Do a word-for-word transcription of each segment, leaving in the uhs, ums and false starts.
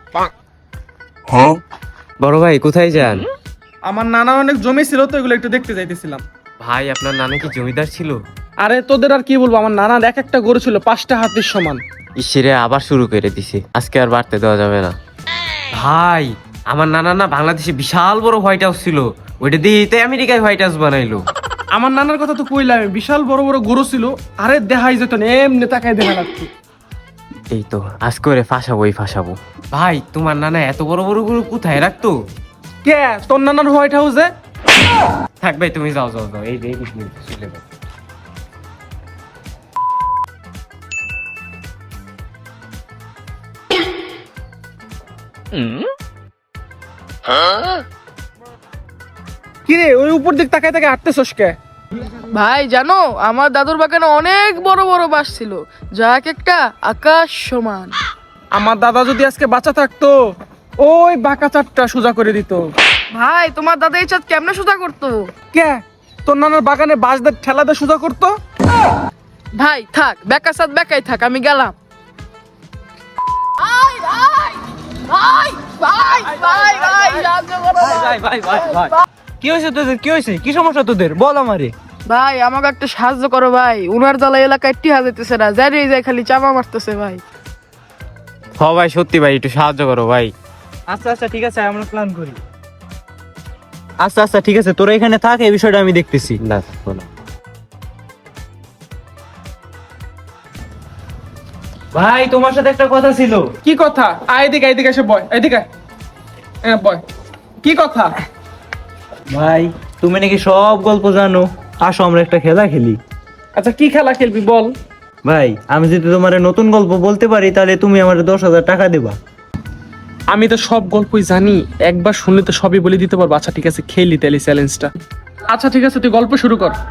বড় ভাই কোথায় যান? আমার নানা অনেক জমি ছিল তো এগুলো একটু দেখতে যাইতেছিলাম। ভাই আপনার নানা কি জমিদার ছিল? আরে তোদের আর কি বলবো, আমার নানার এক একটা গরু ছিল পাঁচটা হাতির সমান। ঈশ্বরে আবার শুরু করে দিছে, আজকে আর বাড়তে দেওয়া যাবে না। ভাই আমার নানা না বাংলাদেশে বিশাল বড় হোয়াইট হাউস ছিল, ওইটা দিয়ে তো আমেরিকায় হোয়াইট হাউস বানাইলো। আমার নানার কথা তো কইলাম, বিশাল বড় বড় গরু ছিল, আরে দেখাই যেত না, এমনি তাকাই দেখা লাগতো। এই তো আজকে ওরে ফাঁসাবোই ফাঁসাবো। ভাই তোমার নানা এত বড় বড় গরু কোথায় রাখতো? কে তোর নানার হোয়াইট হাউসে? থাক ভাই তুমি যাও যাও যাও, এই যে এই মিনিট চলে যাও। কি রে ওই উপর দিক তাকাই তাকাই হাঁটতেছস কে? ভাই জানো আমার দাদুর বাগানে অনেক বড় বড় বাঁশ ছিল, যা এক একটা আকাশ সমান। আমার দাদা যদি আজকে বাঁচা থাকতো ওই বাঁকা চারটা সোজা করে দিত। ভাই তোমার দাদা এই চাঁদ কেমনে সোজা করতো? কে তোর নানার বাগানে বাঁশ দিয়ে ঠেলা দিয়ে সোজা করতো? ভাই থাক, বেকা চাঁদ বেকাই থাক, আমি গেলাম। ভাই ভাই ভাই ভাই ভাই ভাই সাহায্য করো ভাই। ভাই ভাই ভাই কি হয়েছে তোদের? কি হয়েছে? কি সমস্যা তোদের? বল আমারে। ভাই আমাকে একটা সাহায্য করো ভাই, উনার জ্বালা এলাকায় টিহা যেতেছে না, যাই যায় খালি চাপা মারতেছে ভাই। হ ভাই সত্যি ভাই একটু সাহায্য করো ভাই। আচ্ছা আচ্ছা ঠিক আছে, আমরা প্ল্যান করি। আচ্ছা আচ্ছা ঠিক আছে, তোরা এখানে থাক, এই বিষয়টা আমি দেখতেছি। না থাকবো না। ভাই তোমার সাথে একটা কথা ছিল। কি কথা? আয় এদিকে এদিকে এসে বয়, এদিকে আয়। হ্যাঁ বয়, কি কথা? ভাই তুমি নাকি সব গল্প জানো, আসো আমরা একটা খেলা খেলি। আচ্ছা কি খেলা খেলবি বল? ভাই আমি যদি তোমার নতুন গল্প বলতে পারি তাহলে তুমি আমার দশ হাজার টাকা দেবা। আমি তো সব গল্পই জানি, একবার শুনলে তো সবই বলে দিতে পারবো। আচ্ছা ঠিক আছে খেলি তাহলে চ্যালেঞ্জটা। আচ্ছা ঠিক আছে তুই গল্প শুরু কর।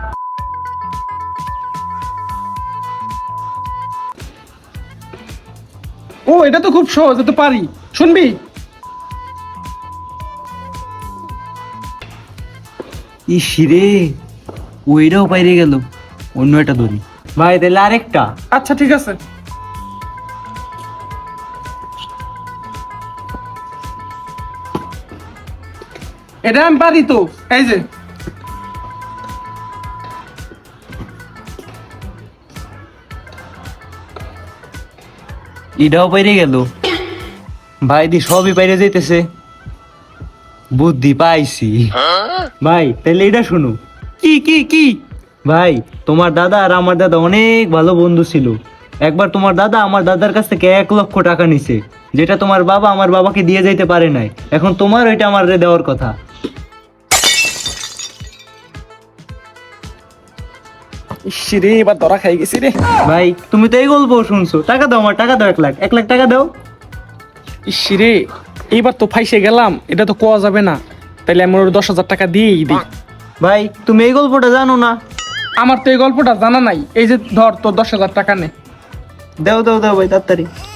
ও এটা তো খুব সহজ, এটা তো পারি, শুনবি? ইস রে, ওইটাও বাইরে গেল, অন্য একটা ধরি। ভাই তাহলে আরেকটা। আচ্ছা ঠিক আছে। এটা আমি পারি তো, এই যে এটাও বাইরে গেল। ভাই দি সবই বাইরে যাইতেছে, বুদ্ধি পাইছি। ভাই তাহলে এটা শুনো। কি কি কি? ভাই তোমার দাদা আর আমার দাদা অনেক ভালো বন্ধু ছিল। একবার তোমার দাদা আমার দাদার কাছ থেকে এক লক্ষ টাকা নিছে, যেটা তোমার বাবা আমার বাবাকে দিয়ে যাইতে পারে নাই। এখন তোমার ওইটা আমার দেওয়ার কথা। ইস রে এবার ধরা খাই গেছি রে। ভাই তুমি তো এই গল্প শুনছো, টাকা দাও, আমার টাকা দাও, এক লাখ এক লাখ টাকা দাও। ইস রে এইবার তো ফাইসে গেলাম, এটা তো কোয়া যাবে না। তাইলে আমি ওর দশ হাজার টাকা দিয়েই দিই। ভাই তুমি এই গল্পটা জানো না? আমার তো এই গল্পটা জানা নাই। এই যে ধর তোর দশ হাজার টাকা নে। দাও দাও দাও ভাই তাড়াতাড়ি।